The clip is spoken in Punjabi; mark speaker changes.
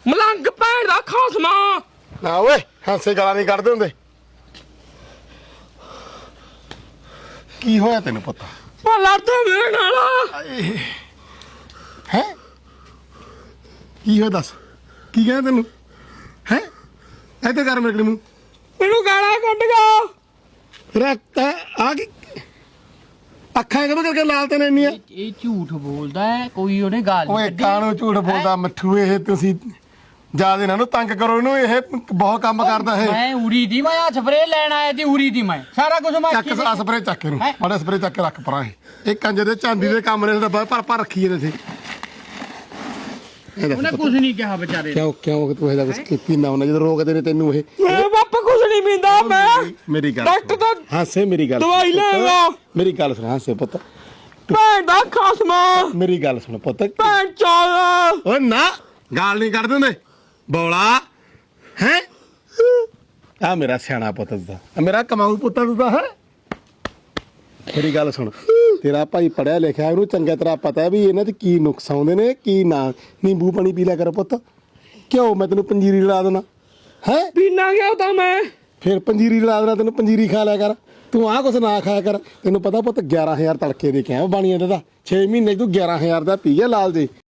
Speaker 1: ਮਲੰਗ ਭੈਣ ਦਾ ਖਾਸਮਾ।
Speaker 2: ਨਾ ਓਏ ਹਾਸੇ ਗਾਲਾਂ ਨਹੀਂ ਕੱਢਦੇ ਹੁੰਦੇ। ਕੀ ਹੋਇਆ ਤੈਨੂੰ ਪਤਾ?
Speaker 1: ਉਹ ਲੜਦਾ ਮੇਰੇ ਨਾਲ।
Speaker 2: ਹੈ ਕੀ ਹੋਇਆ ਦੱਸ? ਕੀ ਕਹਿੰਦਾ ਤੈਨੂੰ? ਹੈ ਇੱਧਰ ਕਰ ਮੇਰੇ ਮੂੰਹ।
Speaker 1: ਮੈਨੂੰ ਗਾਲਾਂ ਕੱਢ ਗਾ।
Speaker 2: ਰੱਖ ਆ ਕੀ ਅੱਖਾਂ ਕਦੋਂ ਕਰਕੇ ਲਾਲ ਤੇ ਇੰਨੀਆਂ?
Speaker 3: ਇਹ ਝੂਠ ਬੋਲਦਾ ਹੈ, ਕੋਈ ਉਹਨੇ ਗੱਲ
Speaker 2: ਓਏ ਕਾਹਨੂੰ ਝੂਠ ਬੋਲਦਾ ਮਿੱਠੂ? ਇਹ ਤੁਸੀਂ ਜਿਆਦਾ ਇਹਨਾਂ ਨੂੰ ਤੰਗ ਕਰੋ, ਇਹਨੂੰ ਇਹ ਬਹੁਤ ਕੰਮ ਕਰਦਾ ਇਹ।
Speaker 3: ਮੈਂ ਉਰੀ ਦੀ ਮੈਂ ਸਪਰੇ ਲੈਣ ਆਇਆ ਸੀ, ਉਰੀ ਦੀ ਮੈਂ ਸਾਰਾ ਕੁਝ ਮੈਂ
Speaker 2: ਚੱਕ ਸਪਰੇ ਚੱਕ ਇਹਨੂੰ ਮਾੜਾ ਸਪਰੇ ਚੱਕ ਕੇ ਰੱਖ ਪਰਾਂ। ਇਹ ਕੰਜਰ ਦੇ ਚਾਂਦੀ ਦੇ ਕੰਮ ਨੇ ਡੱਬਾ ਭਰ ਰੱਖੀ ਇਹਦੇ ਤੇ।
Speaker 3: ਉਹਨੇ ਕੁਝ ਨਹੀਂ ਕਿਹਾ ਵਿਚਾਰੇ
Speaker 2: ਕਿਉਂ ਤੂੰ ਇਹਦਾ ਕੁਝ ਪੀਂਦਾ ਹੁੰਦਾ ਜਦੋਂ ਰੋਕਦੇ ਨੇ ਤੈਨੂੰ ਇਹ?
Speaker 1: ਮੈਂ ਬਾਪਾ ਕੁਝ ਨਹੀਂ ਪੀਂਦਾ। ਮੈਂ
Speaker 2: ਮੇਰੀ ਗੱਲ
Speaker 1: ਡਾਕਟਰ ਦਾ
Speaker 2: ਹਾਸੇ ਮੇਰੀ ਗੱਲ
Speaker 1: ਦਵਾਈ ਲੈਗਾ।
Speaker 2: ਮੇਰੀ ਗੱਲ ਸੁਣ ਹਾਸੇ ਪੁੱਤ,
Speaker 1: ਭੈਣ ਦਾ ਖਾਸਮਾ।
Speaker 2: ਮੇਰੀ ਗੱਲ ਸੁਣ ਪੁੱਤ।
Speaker 1: ਭੈਣ ਚੋਦ।
Speaker 2: ਓ ਨਾ ਗਾਲ ਨਹੀਂ ਕੱਢਦੇ ਹੁੰਦੇ ਬੋਲਾ ਹੈ। ਆ ਮੇਰਾ ਸਿਆਣਾ ਪੁੱਤ ਦਾ, ਮੇਰਾ ਕਮਾਊ ਪੁੱਤ ਦਾ ਹੈ। ਮੇਰੀ ਗੱਲ ਸੁਣ, ਤੇਰਾ ਭਾਈ ਪੜਿਆ ਲਿਖਿਆ, ਉਹਨੂੰ ਚੰਗਾ ਤਰ੍ਹਾਂ ਪਤਾ ਵੀ ਇਹਨਾਂ 'ਚ ਕੀ ਨੁਕਸ ਆਉਂਦੇ ਨੇ ਕੀ ਨਾ। ਨਿੰਬੂ ਪਾਣੀ ਪੀ ਲਿਆ ਕਰ ਪੁੱਤ। ਕਿਉਂ ਮੈਂ ਤੈਨੂੰ ਪੰਜੀਰੀ ਲਾ ਦੇਣਾ ਹੈ?
Speaker 1: ਪੀਣਾ ਗਿਆ ਤਾਂ ਮੈਂ।
Speaker 2: ਫਿਰ ਪੰਜੀਰੀ ਲਾ ਦੇਣਾ ਤੈਨੂੰ, ਪੰਜੀਰੀ ਖਾ ਲਿਆ ਕਰ ਤੂੰ। ਆਹ ਕੁਛ ਨਾ ਖਾਇਆ ਕਰ। ਤੈਨੂੰ ਪਤਾ ਪੁੱਤ 11,000 ਤੜਕੇ ਦੇ ਕੇ ਆਇਆ ਬਾਣੀਆਂ ਦਾ 6 ਮਹੀਨੇ ਤੂੰ 11,000 ਦਾ ਪੀ ਗਿਆ ਲਾਲ ਜੀ।